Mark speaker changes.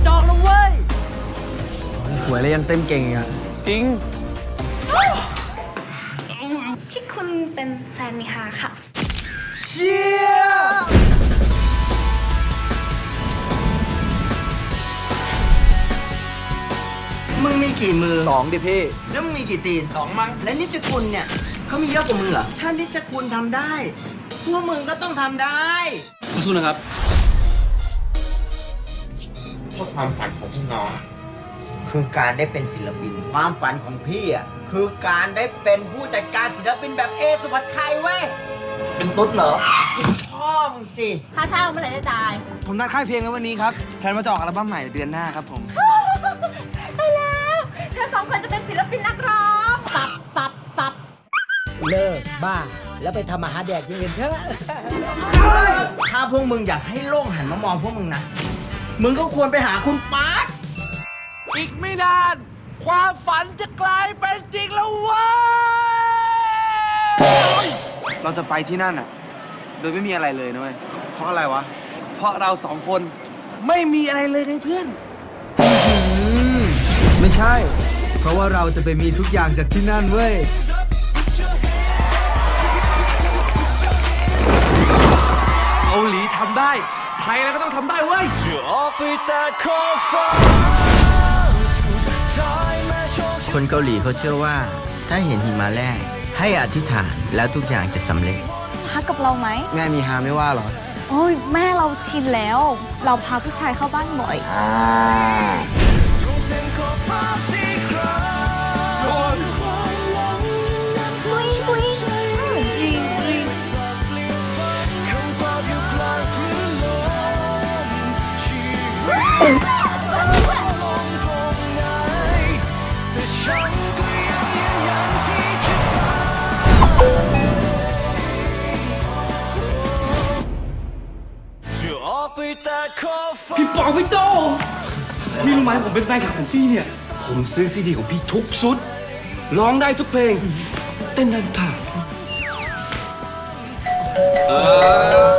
Speaker 1: จอกแล้วเว้ย
Speaker 2: สวยเลยยังเต้นเก่งอ่ะ
Speaker 1: จริง
Speaker 3: ที่คุณเป็นแฟนมิฮาค่ะ
Speaker 1: เชี่ย
Speaker 4: มึงมีกี่มือ
Speaker 1: 2ดิพี่
Speaker 4: แล้วมึงมีกี่ตีน
Speaker 1: 2 มั้ง
Speaker 4: และนิจคุณเนี่ยเขามีเยอะกว่ามึงเหรอ ถ้านิจคุณทำได้ พวกมึงก็ต้องทำได้
Speaker 1: สู้ๆนะครับ
Speaker 4: ความฝันของพี่น้องคือการได้เป็นศิลปิน ความฝันของพี่อ่ะคือการได้เป็นผู้จัดการศิลปินแบบเอสุภาชัยเว้ย
Speaker 1: เป็นตุ๊ดเหรอ
Speaker 4: พ่อมึงสิ
Speaker 3: ค่าเช่าเมื่อไหร่จะจ่าย
Speaker 2: ผมนัดค่ายเพลงไว้วันนี้ครับแพลนมาจะออกอัลบั้มใหม่เดือนหน้าครับผม
Speaker 3: ได้แล้วเธอ2 คนจะเป็นศิลปินนักร้องสับ
Speaker 4: เลิกบ้า แล้วไปทำอาหารแดกอย่างอื่นเถอะถ้าพวกมึงอยากให้โลกหันมามองพวกมึงนะ มึงก็ควรไปหาคุณปาร์ค
Speaker 1: อีกไม่นาน ความฝันจะกลายเป็นจริงแล้วเว้ย
Speaker 2: เราจะไปที่นั่นอ่ะ โดยไม่มีอะไรเลยนะเว้ย เพราะอะไรวะ เพราะเรา2 คนไม่มีอะไรเลยไงเพื่อน ไม่ใช่ เพราะว่าเราจะไปมีทุกอย่างจากที่นั่นเว้ย เกาหลีทำได้ ไทยแล้วก็ต้องทำได้เว้ย
Speaker 4: คนเกาหลีเขาเชื่อว่า ถ้าเห็นหิมะแรกให้อธิษฐานแล้วทุกอย่างจะสำเร็จ
Speaker 5: พักกับเราไหม
Speaker 2: แม่มีฮาไม่ว่าหรอ
Speaker 5: โอ้ยแม่เราชินแล้ว เราพาผู้ชายเข้าบ้านบ่อย
Speaker 1: พี่ปองพี่โตพี่รู้ไหมผมเป็นแฟนคลับของพี่เนี่ย ผมซื้อซีดีของพี่ทุกชุด ร้องได้ทุกเพลง เต้นได้ทุกท่า